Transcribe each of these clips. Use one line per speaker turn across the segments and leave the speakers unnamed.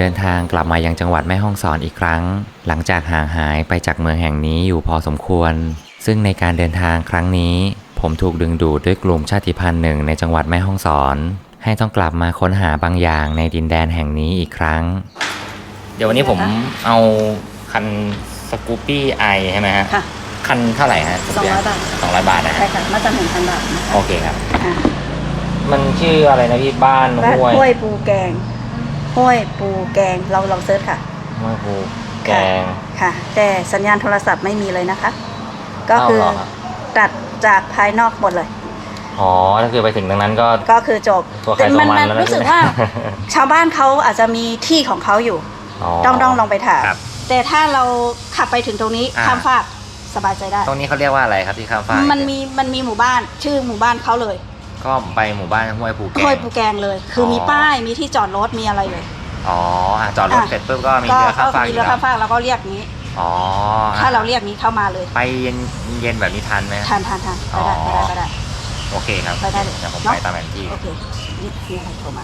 ดินทางกลับมายังจังหวัดแม่ฮ่องสอนอีกครั้งหลังจากห่างหายไปจากเมืองแห่งนี้อยู่พอสมควรซึ่งในการเดินทางครั้งนี้ผมถูกดึงดูดด้วยกลุ่มชาติพันธุ์หนึ่งในจังหวัดแม่ฮ่องสอนให้ต้องกลับมาค้นหาบางอย่างในดินแดนแห่งนี้อีกครั้งเดี๋ยววันนี้ผมเอาคันสกูปปี้ไอใช่ไหมฮะค่ะคันเท่าไหร่ฮะ
200 บาท
200 บาทนะ
ใช่ค่ะมาจำ1,000 บาท
โอเคครับมันชื่ออะไรนะพี่บ้าน
ห้วยปูแกงห้วยปูแกงเราลองเซิร์ชค่ะ
ห้วยปูแกง
ค่ะแต่สัญญาณโทรศัพท์ไม่มีเลยนะคะก็คือตัดจากภายนอกหมดเลย
อ๋อถ้าคือไปถึงตรงนั้นก็
คือจบแต่มันรู้สึกว่าชาวบ้านเขาอาจจะมีที่ของเขาอยู่ต้องลองไปถามแต่ถ้าเราขับไปถึงตรงนี้ข้ามฟากสบายใจได้
ตรงนี้เขาเรียกว่าอะไรครับที่ข้ามฟาก
มันมีหมู่บ้านชื่อหมู่บ้านเขาเลย
ก็ไปหมู่บ้านห้วยปูแกง
เลยคือมีป้ายมีที่จอดรถมีอะไรเลย
อ๋อจอดรถเสร็จปุ๊บก็มีเรือข้ามฟาก
มีเรือข้ามฟากแล้วก็เรียกนี้
อ๋อ
ถ้าเราเรียกนี้เข้ามาเลย
ไปเย็นแบบนี้ทันไหม
ทันไปได้
โอเคครับ
ไปได้เลย
เดี๋ยวผมไปตามแผนที่
โอเคนี่ใครโทรมา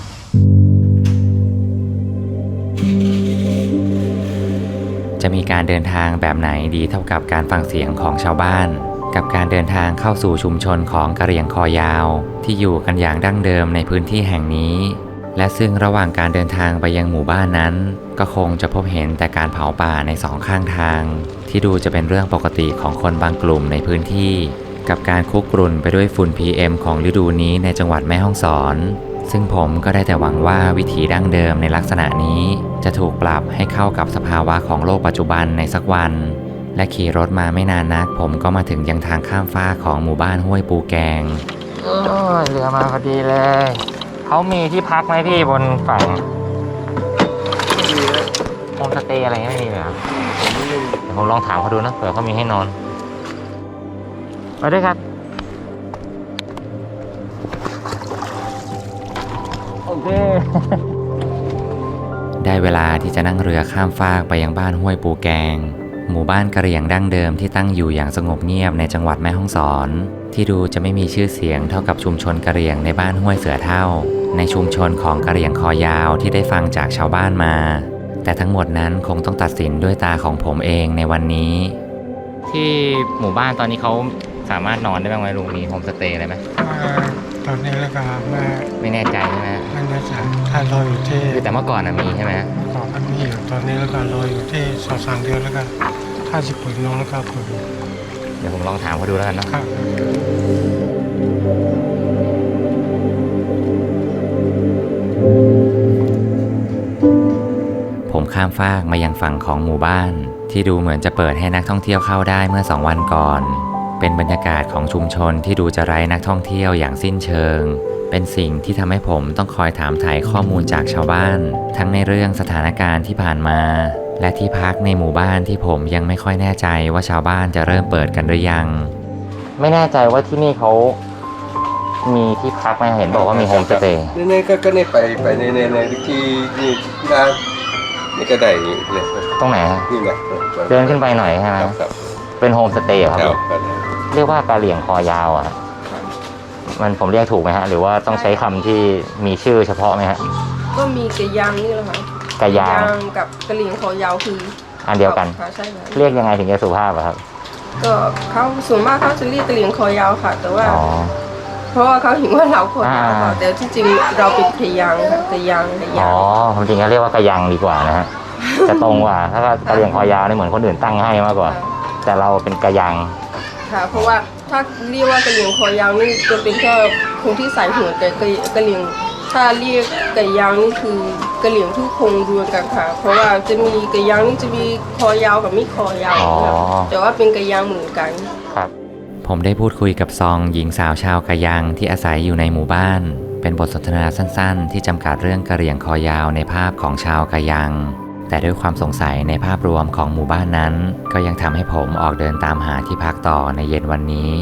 จะมีการเดินทางแบบไหนดีเท่ากับการฟังเสียงของชาวบ้านกับการเดินทางเข้าสู่ชุมชนของกะเหรี่ยงคอยาวที่อยู่กันอย่างดั้งเดิมในพื้นที่แห่งนี้และซึ่งระหว่างการเดินทางไปยังหมู่บ้านนั้นก็คงจะพบเห็นแต่การเผาป่าในสองข้างทางที่ดูจะเป็นเรื่องปกติของคนบางกลุ่มในพื้นที่กับการคุกรุ่นไปด้วยฝุ่น PM ของฤดูนี้ในจังหวัดแม่ฮ่องสอนซึ่งผมก็ได้แต่หวังว่าวิถีดั้งเดิมในลักษณะนี้จะถูกปรับให้เข้ากับสภาวะของโลกปัจจุบันในสักวันและขี่รถมาไม่นานนักผมก็มาถึงยังทางข้ามฟากของหมู่บ้านห้วยปูแกงเรือมาพอดีเลยเขามีที่พักไหมพี่บนฝั่งโฮมสเตย์อะไรไม่มีเลยครับเดี๋ยวผมลองถามเขาดูนะเผื่อเขามีให้นอนไปด้วยครับโอเคได้เวลาที่จะนั่งเรือข้ามฟากไปยังบ้านห้วยปูแกงหมู่บ้านกะเหรี่ยงดั้งเดิมที่ตั้งอยู่อย่างสงบเงียบในจังหวัดแม่ฮ่องสอนที่ดูจะไม่มีชื่อเสียงเท่ากับชุมชนกะเหรี่ยงในบ้านห้วยเสือเท่าในชุมชนของกะเหรี่ยงคอยาวที่ได้ฟังจากชาวบ้านมาแต่ทั้งหมดนั้นคงต้องตัดสินด้วยตาของผมเองในวันนี้ที่หมู่บ้านตอนนี้เขาสามารถนอนได้บ้างไหมลุงมีโฮมสเตย์อะไรไหม
ตอนนี้แล้วก็
ไม่แน่ใจใช่ไหม
ไม่แน่ใจถ้ารออยู่ที่
แต่เมื่อก่อนมีใช่ไหม
เมื่อก่อนมันมีอยู่ตอนนี้แล้วก็รออยู่ที่2-3 เดือนแล้วก็ถ้าจะเปิดน้องแล้วก็เปิด
เดี๋ยวผมลองถามเขาดูแล้วกันเนาะผมข้ามฟากมายังฝั่งของหมู่บ้านที่ดูเหมือนจะเปิดให้นักท่องเที่ยวเข้าได้เมื่อ2 วันก่อนเป็นบรรยากาศของชุมชนที่ดูจะไร้นักท่องเที่ยวอย่างสิ้นเชิงเป็นสิ่งที่ทำให้ผมต้องคอยถามถ่ายข้อมูลจากชาวบ้านทั้งในเรื่องสถานการณ์ที่ผ่านมาและที่พักในหมู่บ้านที่ผมยังไม่ค่อยแน่ใจว่าชาวบ้านจะเริ่มเปิดกันหรือยังไม่แน่ใจว่าที่นี่เขามีที่พักไหมเห็นบอกว่ามีโฮมสเตย์
นี่ก็นี่ไปในที่นี่ร้านนี่ก็ได้เนี่ย
ตรงไหน
นี่ไง
เดินขึ้นไปหน่อยใช่ไหมเป็นโฮมสเตย์ครับเรียกว่ากะเหรี่ยงคอยาวอ่ะมันผมเรียกถูกไหมฮะหรือว่าต้องใช้คำที่มีชื่อเฉพาะไหมฮะ
ก็มีกะยางนี่แหละค่ะ
กะยาง
กับกะเหรี่ยงคอยาวคือ
อันเดียวกันเรียกยังไงถึงจะสุภาพครับ
ก็เขาส่วนมากเขาจะเรียกกะเหรี่ยงคอยาวค่ะแต่ว่าเพราะว่าเขาเห็นว่าเราคอยาวค่ะแต่ที่จริงเราเป็นกะยางค่ะกะยาง
อ๋อผมจริงก็เรียกว่ากะยังดีกว่านะฮะจะตรงกว่าถ้ากะเหรี่ยงคอยาวนี่เหมือนคนอื่นตั้งให้มากกว่าแต่เราเป็นกะยัง
ค่ะเพราะว่าถ้าเรียกว่ากะเหรี่ยงคอยาวนี่จะเป็นแค่คนที่ใส่หัวแต่กะเหรี่ยงถ้าเรียกกะยังนี่คือกะเหรี่ยงทุกคงรวมกันค่ะเพราะว่าจะมีกะยังนี่จะมีคอยาวกับไม่คอยาวแต่ว่าเป็นกะยังเหมือนกัน
ครับผมได้พูดคุยกับซองหญิงสาวชาวกะยังที่อาศัยอยู่ในหมู่บ้านเป็นบทสนทนาสั้นๆที่จำกัดเรื่องกะเหรี่ยงคอยาวในภาพของชาวกะยังแต่ด้วยความสงสัยในภาพรวมของหมู่บ้านนั้นก็ยังทำให้ผมออกเดินตามหาที่พักต่อในเย็นวันนี้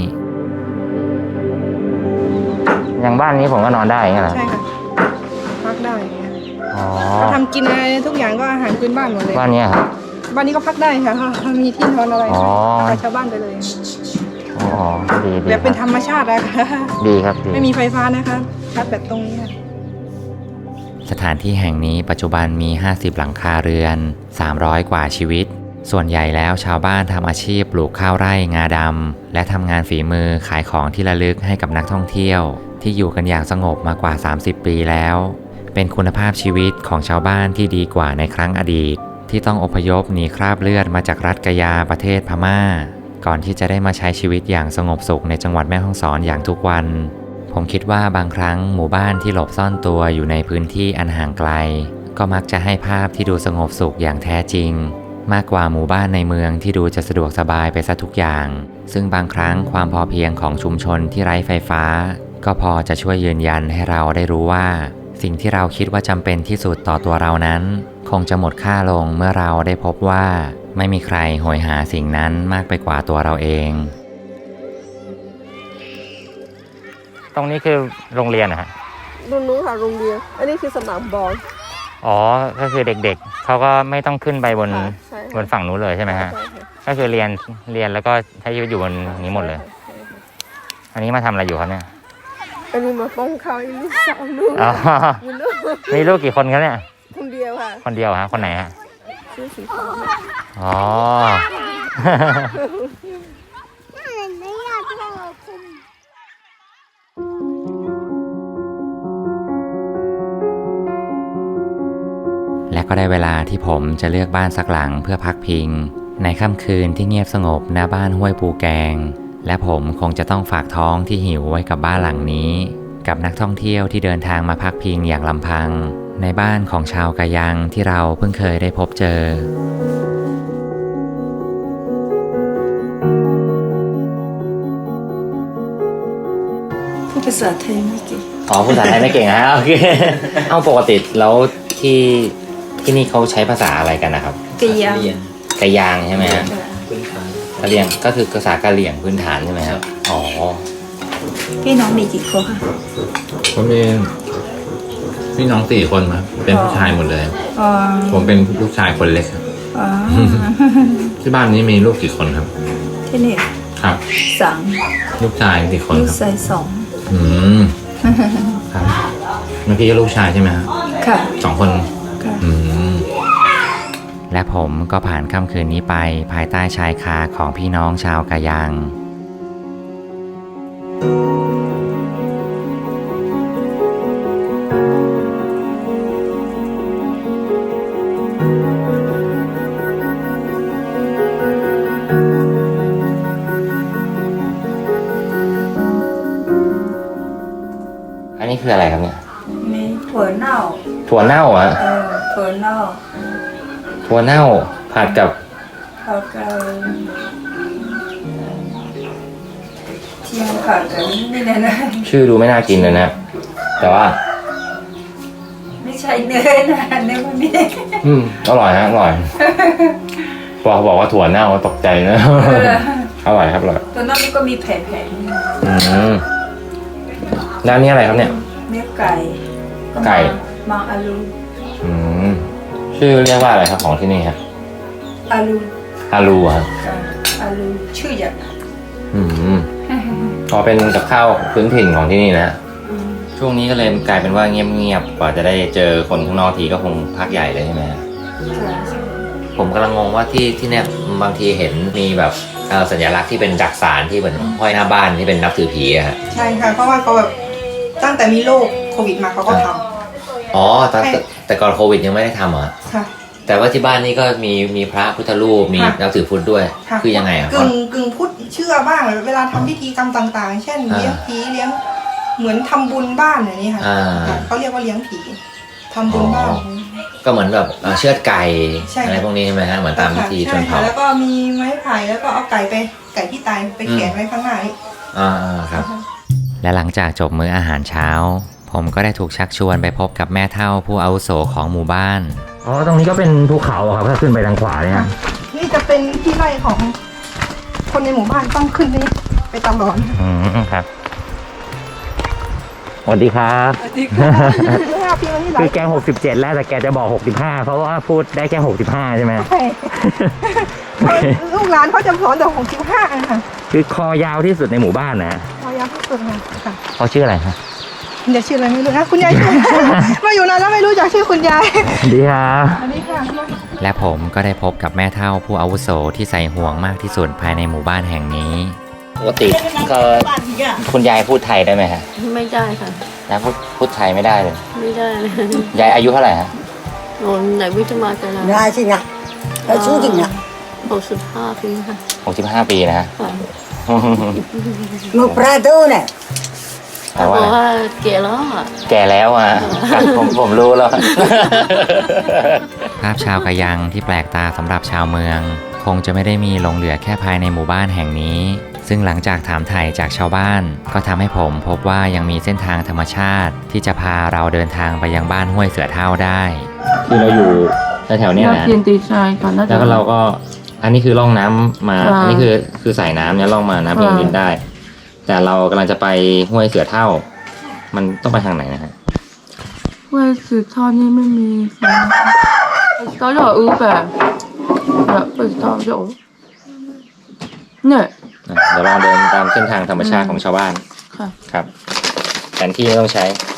อย่างบ้านนี้ผมก็นอนได้ไงล่ะ
ใช่ค่ะพักได้เขาทำกินอะไรทุกอย่างก็อาหารพื้นบ้านหมดเลย
บ้านนี้ครับ
บ้านนี้ก็พักได้ค่ะเขามีที่นอนอะไรกับชาวบ้านไปเลย
อ๋อดี
แบบเป็นธรรมชาติอะค่ะ
ดีครับ
ไม่มีไฟฟ้านะคะชาร์จแบตตรงนี้
สถานที่แห่งนี้ปัจจุบันมี 50 หลังคาเรือน 300 กว่าชีวิต ส่วนใหญ่แล้วชาวบ้านทำอาชีพปลูกข้าวไร่งาดำและทำงานฝีมือขายของที่ระลึกให้กับนักท่องเที่ยวที่อยู่กันอย่างสงบมากว่า 30 ปีแล้ว เป็นคุณภาพชีวิตของชาวบ้านที่ดีกว่าในครั้งอดีตที่ต้องอพยพหนีคราบเลือดมาจากรัฐกะยาประเทศพม่าก่อนที่จะได้มาใช้ชีวิตอย่างสงบสุขในจังหวัดแม่ฮ่องสอนอย่างทุกวันผมคิดว่าบางครั้งหมู่บ้านที่หลบซ่อนตัวอยู่ในพื้นที่อันห่างไกลก็มักจะให้ภาพที่ดูสงบสุขอย่างแท้จริงมากกว่าหมู่บ้านในเมืองที่ดูจะสะดวกสบายไปซะทุกอย่างซึ่งบางครั้งความพอเพียงของชุมชนที่ไร้ไฟฟ้าก็พอจะช่วยยืนยันให้เราได้รู้ว่าสิ่งที่เราคิดว่าจำเป็นที่สุดต่อตัวเรานั้นคงจะหมดค่าลงเมื่อเราได้พบว่าไม่มีใครโหยหาสิ่งนั้นมากไปกว่าตัวเราเองตรงนี้คือโรงเรียนนะฮะ
ตรงนู้นค่ะโรงเรียนอันนี้คือสนามบอล
อ๋อก็คือเด็กๆเขาก็ไม่ต้องขึ้นไปบนฝั่งนู้นเลยใช่ไหมฮะก็คือเรียนแล้วก็ใช้ชีวิตอยู่บนนี้หมดเลยอันนี้มาทำอะไรอยู่ครับเนี่ย
อันนี้มาป้องเขาลูกสาวลูก
มีลูกกี่คนครับเนี่ย
คนเดียวค่ะ
คนเดียวฮะคนไหนฮะ
ชื่อสีฟ้า
อ๋อและก็ได้เวลาที่ผมจะเลือกบ้านสักหลังเพื่อพักพิงในค่ำคืนที่เงียบสงบหน้าบ้านห้วยปูแกงและผมคงจะต้องฝากท้องที่หิวไว้กับบ้านหลังนี้กับนักท่องเที่ยวที่เดินทางมาพักพิงอย่างลำพังในบ้านของชาวกะยังที่เราเพิ่งเคยได้พบเจอ
พูดภาษาไทยไม่เก่ง
อ๋อภาษาไทยไม่เก่งฮะโอเคเอาปกติแล้วที่นี่เขาใช้ภาษาอะไรกันนะครับ
กะ
ยังใช่ไหมฮะกะเหรี่ยงก็คือภาษากะเหรี่ยงพื้นฐานใช่ไหมครับอ๋อ
พี่น้องมีกี่คนคะ
ผมมีพี่น้อง4 คนครับเป็นผู้ชายหมดเลยผมเป็นลูกชายคนเล็กครับที่บ้านนี้มีลูกกี่คนครับ
ที่นี่
ครับ
3
ลูกชายกี่คนครับ
ลูกชาย
2ครับเมื่อกี้ก็ลูกชายใช่ไหมครับ
ค่ะ
2 คน
ค่ะ
และผมก็ผ่านค่ำคืนนี้ไปภายใต้ชายคาของพี่น้องชาวกะยังอันนี้คืออะไรครับเนี่ย
มีถั่วเน่า
อ่ะ
ถั่วเน่า
ผัดกับ
เทียมผัดกันนี่นะ
ชื่อดูไม่น่ากินเลยนะแต่ว่า
ไม่ใช่เนื้อนะเนื้อมันนี่
อร่อยนะอร่อยพอบอกว่าถั่วเน่าตกใจนะอร่อยครับอร่อย
ถั่วเน่านี่ก็มีแผ่
แล้วนี่อะไรครับเนี่ย
เนื้อไก่มังอาลู
ชื่อเรียกว่าอะไรครับของที่นี่ครับ
อาลู
ครับ
อาลูชื่ออย่าง
พอเป็นกับข้าวพื้นถิ่นของที่นี่นะช่วงนี้ก็เลยกลายเป็นว่าเงียบๆกว่าจะได้เจอคนข้างนอกทีก็คงพักใหญ่เลยใช่ไหมผมกำลังงงว่าที่เนี่ยบางทีเห็นมีแบบสัญลักษณ์ที่เป็นจักสานที่เหมือนห้อยหน้าบ้านที่เป็นนับถือผีอะฮะ
ใช่ค่ะเพราะว่าเขาแบบตั้งแต่มีโรคโควิดมาเขาก็ทำ
อ๋อแต่ก่อนโควิดยังไม่ได้ทำเหรอ
ค่ะ
แต่ว่าที่บ้านนี่ก็มีพระพุทธรูปมีนับถือพุทธด้วยคือยังไงอ่ะ
กึ่งพุทธเชื่อบ้างเวลาทำพิธีกรรมต่างๆเช่นเลี้ยงผีเลี้ยงเหมือนทำบุญบ้านอย่างนี้ค่ะเขาเรียกว่าเลี้ยงผีทำบุญบ้าน
ก็เหมือนแบบเชือดไก่อะไรพวกนี้ใช่ไหมฮะเหมือนตามพิธีชนเผ่า
แล้วก็มีไม้ไผ่แล้วก็เอาไก่ที่ตายไปแขวนไว้ข้างหน้า
ครับและหลังจากจบมื้ออาหารเช้าผมก็ได้ถูกชักชวนไปพบกับแม่เฒ่าผู้อาวุโสของหมู่บ้านอ๋อตรงนี้ก็เป็นภูเขาครับถ้าขึ้นไปทางขวาเนี่ย
นี่จะเป็นที่ไร่ของคนในหมู่บ้านต้องขึ้นไปตลอด
ครับสวัสดีครับ
สวัสดีครับ
คือแก67แล้วแต่แกจะบอก65เพราะว่าพูดได้แค่65ใช่ไหมใช่
ลูกหลานเขาจะสอนแต่65ค่ะ
คือคอยาวที่สุดในหมู่บ้านนะ
คอยาวที่สุดค่ะ
เขาชื่ออะไรครับ
คุณยายชื่ออะไรไม่รู้นะคุณยายชื่อ มาอยู่นานแล้วไม่รู้จักชื่อคุณยาย
ดีครับ
อันนี้ค่ะ
และผมก็ได้พบกับแม่เฒ่าผู้อาวุโสที่ใส่ห่วงมากที่สุดภายในหมู่บ้านแห่งนี้ปกติก็คุณยายพูดไทยได้ไหมฮะ
ไม่ได้ค่ะ
ยายพูดไทยไม่ได้เลย
ไม่ได้เลย
ยายอายุเท่าไหร่ฮะ
โอนไหนวิทมากันนะ
Nga chứ nhỉ? Ở chú thì nhỉ?
65 ปีค่ะ
65 ปีนะฮะ
Một prato này.
แต่
บ
ว่า
อกว่าเก๋แล้วอ่ะ
แก่แล้วอ่ะ ผมรู้แล้ว ภาพชาวกะยังที่แปลกตาสำหรับชาวเมือง คงจะไม่ได้มีหลงเหลือแค่ภายในหมู่บ้านแห่งนี้ ซึ่งหลังจากถามไถ่จากชาวบ้าน ก็ทำให้ผมพบว่ายังมีเส้นทางธรรมชาติที่จะพาเราเดินทางไปยังบ้านห้วยเสือเฒ่าได้คือเราอยู่แถวๆนี้นะ
เพียนตีชายก่อนนะ
แล้วก็เราก็อันนี้คือล่องน้ำมา
ค่ะ
อันนี้คือสายน้ำเนี่ยล่องมาน้ำเพียงดินได้ แต่เรากำลังจะไปห้วยเสือเฒ่า มันต้องไปทางไหนนะฮะ
ว่าสืบทอดนี่ไม่มีสิตอนเราแบบเปิดทอดเดี๋ยวเนี่ย
เดี๋ยวลองเดินตามเส้นทางธรรมชาติของชาวบ้าน
ค่ะ
ครับแผนที่ไม่ต้องใช้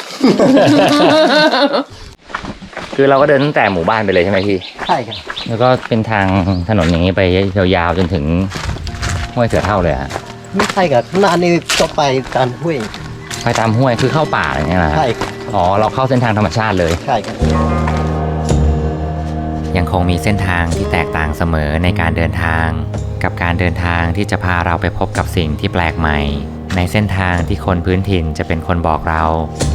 คือเราก็เดินตั้งแต่หมู่บ้านไปเลยใช่ไหมพี่
ใช่ครับ
แล้วก็เป็นทางถนนอย่างนี้ไปยาวๆจนถึงห้วยเสือเฒ่าเลยฮะ
ไม่ใช่ครับหน้านี่ก็ไปตามห้วย
ไปตามห้วยคือเข้าป่าอะไรอย่างเงี้ยนะฮะ
ใช่ครับ
อ๋อเราเข้าเส้นทางธรรมชาติเลย
ใช่ครับ
ยังคงมีเส้นทางที่แตกต่างเสมอในการเดินทาง กับการเดินทางที่จะพาเราไปพบกับสิ่งที่แปลกใหม่ ในเส้นทางที่คนพื้นถิ่นจะเป็นคนบอกเรา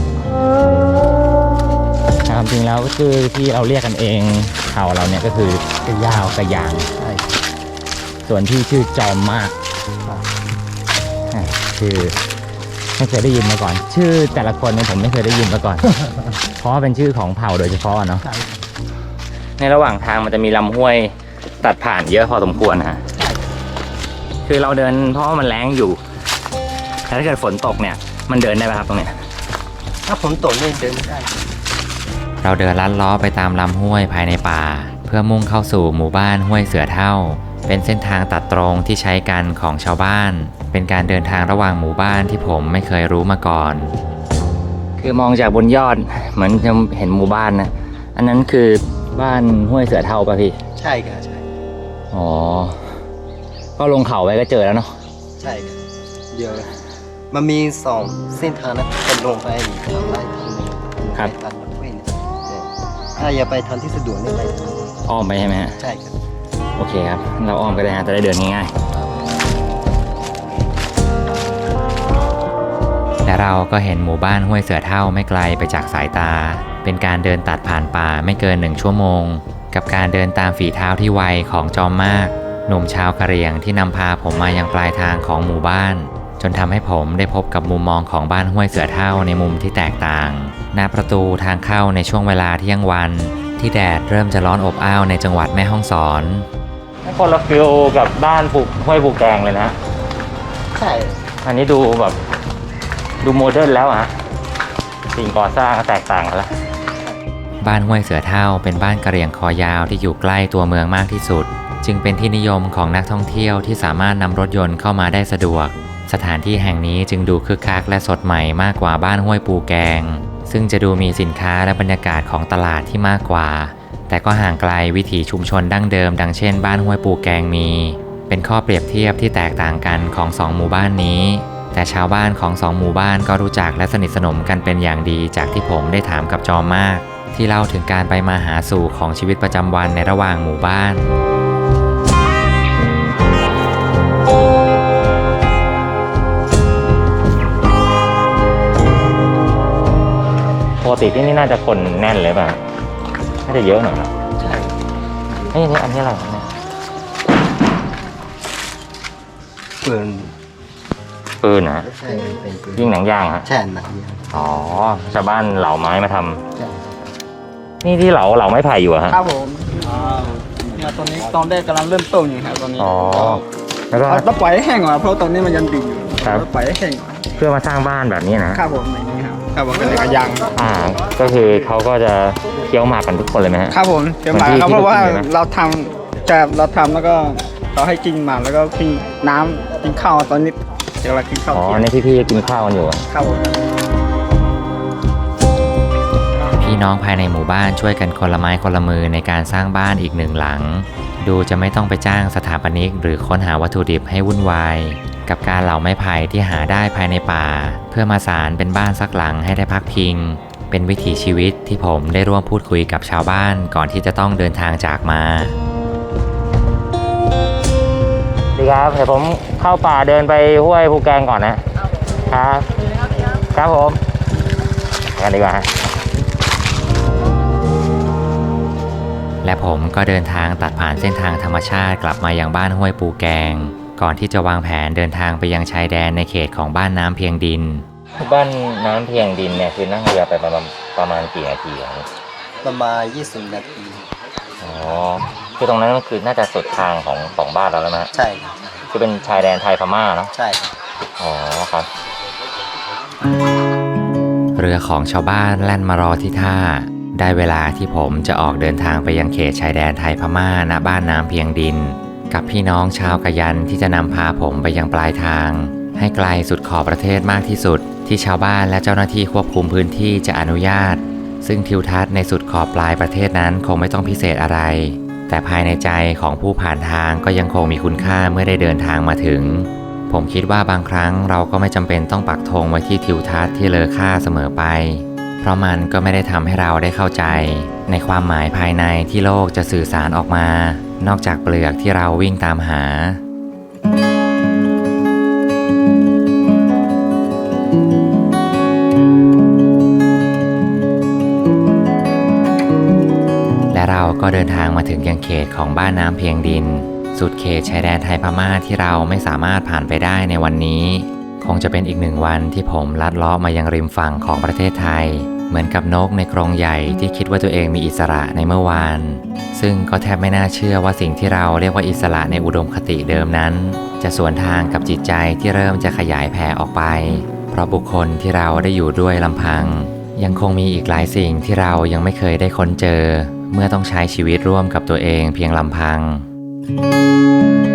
จริงแล้วก็คือที่เราเรียกกันเองเผ่าเราเนี่ยก็คือกระยาวกระยาง
ใช่
ส่วนที่ชื่อจอมมากคือไม่เคยได้ยินมาก่อน ชื่อแต่ละคนเนี่ยผมไม่เคยได้ยินมาก่อน เพราะว่าเป็นชื่อของเผ่าโดยเฉพาะเนาะ ในระหว่างทางมันจะมีลำห้วยตัดผ่านเยอะพอสมควรฮะคือเราเดินเพราะว่ามันแล้งอยู่แต่ถ้าเกิดฝนตกเนี่ยมันเดินได้ไหมครับตรงเนี้ย
ถ้าผมตกนี่เดินไม่ได้
เราเดินลัดล้อไปตามลำห้วยภายในป่า เพื่อมุ่งเข้าสู่หมู่บ้านห้วยเสือเฒ่า เป็นเส้นทางตัดตรงที่ใช้กันของชาวบ้าน เป็นการเดินทางระหว่างหมู่บ้านที่ผมไม่เคยรู้มาก่อน คือมองจากบนยอดเหมือนจะเห็นหมู่บ้านนะอันนั้นคือบ้านห้วยเสือเฒ่าป่ะพี่
ใช่ครับใช่
อ๋อก็ลงเขาไปก็เจอแล้วเนาะ
ใช่ครับเดียวมันมีสองเส้นทางนะเป็นลงไปทางไร่ทางหนึงไปทางห้วยเนี่ยถ้าอย่าไปทางที่สะดวกนี่ไปทาง
อ้อมไปใช่ไหมฮะ
ใช่ครับ
โอเคครับ เราอ้อมก็ได้ฮะจะได้เดินง่ายๆและเราก็เห็นหมู่บ้านห้วยเสือเฒ่าไม่ไกลไปจากสายตา เป็นการเดินตัดผ่านป่าไม่เกิน1 ชั่วโมง กับการเดินตามฝีเท้าที่ไวของจอมมากหนุ่มชาวกะเหรี่ยงที่นำพาผมมายังปลายทางของหมู่บ้าน จนทำให้ผมได้พบกับมุมมองของบ้านห้วยเสือเฒ่าในมุมที่แตกต่างหน้าประตูทางเข้าในช่วงเวลาเที่ยงวันที่แดดเริ่มจะร้อนอบอ้าวในจังหวัดแม่ฮ่องสอนคนละฟิลกับบ้านห้วยปูแกงเลยนะ
ใช่
อันนี้ดูแบบดูโมเดิร์นแล้วอะสิ่งก่อสร้างก็แตกต่างกันแล้วบ้านห้วยเสือเฒ่าเป็นบ้านกะเหรี่ยงคอยาวที่อยู่ใกล้ตัวเมืองมากที่สุด จึงเป็นที่นิยมของนักท่องเที่ยวที่สามารถนำรถยนต์เข้ามาได้สะดวก สถานที่แห่งนี้จึงดูคึกคักและสดใหม่มากกว่าบ้านห้วยปูแกง ซึ่งจะดูมีสินค้าและบรรยากาศของตลาดที่มากกว่า แต่ก็ห่างไกลวิถีชุมชนดั้งเดิมดังเช่นบ้านห้วยปูแกงมี เป็นข้อเปรียบเทียบที่แตกต่างกันของ2หมู่บ้านนี้ แต่ชาวบ้านของ2หมู่บ้านก็รู้จักและสนิทสนมกันเป็นอย่างดีจากที่ผมได้ถามกับจอมมาก ที่เล่าถึงการไปมาหาสู่ของชีวิตประจำวันในระหว่างหมู่บ้านปกติที่นี่น่าจะคนแน่นเลยป่ะน่าจะเยอะหน่อยนะ
ใช่
อันนี้อะไรครับเนี่ย ปืนนะ
ใช่เป็นปืน
ยิงหนังยางฮะ
ใช่หนังยาง
อ๋อชาวบ้านเหลาไม้มาทำ
ใช่
นี่ที่เหลาไม้ไผ่อยู่อะฮะ
ครับผมเนี่ยตอนนี้ตอนแรกกำลังเริ่มต้นอยู่ครับตอนนี้
อ๋อแล้วก็
เราปล่อยให้แห้งก่อนเพราะตอนนี้มันยังดิ่งอยู่
ครับ
เราปล่อยให้แห้งก่อน
เพื่อมาสร้างบ้านแบบนี้นะครับ
ผมอย่างนี้ครับครับผมเป็นกระยาง
ก็คือเขาก็จะเคี้ยวหมากกันทุกคนเลยไหมฮะ
ครับผมเดี๋ยวมาครับ
ที่
เพราะว่า
ที่เรากินใช่ไหม
เราทำจะเราทำแล้วก็เราให้กินหมากแล้วก็กินน้ำกินข้าวตอนนี้เดี๋ยวเรากินข้าว
อ๋อ
เที่ยง
ในพี่ๆกินข้าวกันอยู่อะ
ครับผม
น้องภายในหมู่บ้านช่วยกันคนละไม้คนละมือในการสร้างบ้านอีกหนึ่งหลังดูจะไม่ต้องไปจ้างสถาปนิกหรือค้นหาวัตถุดิบให้วุ่นวายกับการเหลาไม้ไผ่ที่หาได้ภายในป่าเพื่อมาสานเป็นบ้านสักหลังให้ได้พักพิงเป็นวิถีชีวิตที่ผมได้ร่วมพูดคุยกับชาวบ้านก่อนที่จะต้องเดินทางจากมาดีครับเดี๋ยวผมเข้าป่าเดินไปห้วยภูแกงก่อนนะครับครับผมกันดีกว่าและผมก็เดินทางตัดผ่านเส้นทางธรรมชาติกลับมายังบ้านห้วยปูแกงก่อนที่จะวางแผนเดินทางไปยังชายแดนในเขตของบ้านน้ำเพียงดินบ้านน้ำเพียงดินเนี่ยคือนั่งเรือไปประมาณกี่นาทีครับ
ประมาณ20 นาที
อ๋อคือตรงนั้นคือน่าจะสุดทางของบ้านเราแล้วนะ
ใช่ครับ
คือเป็นชายแดนไทยพม่าเนาะ
ใช่
อ๋อครับเรือของชาวบ้านแล่นมารอที่ท่าได้เวลาที่ผมจะออกเดินทางไปยังเขตชายแดนไทยพม่าณบ้านน้ำเพียงดินกับพี่น้องชาวกะยันที่จะนำพาผมไปยังปลายทางให้ไกลสุดขอบประเทศมากที่สุดที่ชาวบ้านและเจ้าหน้าที่ควบคุมพื้นที่จะอนุญาตซึ่งทิวทัศน์ในสุดขอบปลายประเทศนั้นคงไม่ต้องพิเศษอะไรแต่ภายในใจของผู้ผ่านทางก็ยังคงมีคุณค่าเมื่อได้เดินทางมาถึงผมคิดว่าบางครั้งเราก็ไม่จำเป็นต้องปักธงไว้ที่ทิวทัศน์ที่เลอค่าเสมอไปเพราะมันก็ไม่ได้ทำให้เราได้เข้าใจในความหมายภายในที่โลกจะสื่อสารออกมานอกจากเปลือกที่เราวิ่งตามหาและเราก็เดินทางมาถึงยังเขตของบ้านน้ำเพียงดินสุดเขตชายแดนไทยพม่าที่เราไม่สามารถผ่านไปได้ในวันนี้คงจะเป็นอีกหนึ่งวันที่ผมลัดเลาะมายังริมฝั่งของประเทศไทยเหมือนกับนกในกรงใหญ่ที่คิดว่าตัวเองมีอิสระในเมื่อวานซึ่งก็แทบไม่น่าเชื่อว่าสิ่งที่เราเรียกว่าอิสระในอุดมคติเดิมนั้นจะสวนทางกับจิตใจที่เริ่มจะขยายแผ่ออกไปเพราะบุคคลที่เราได้อยู่ด้วยลำพังยังคงมีอีกหลายสิ่งที่เรายังไม่เคยได้ค้นเจอเมื่อต้องใช้ชีวิตร่วมกับตัวเองเพียงลำพัง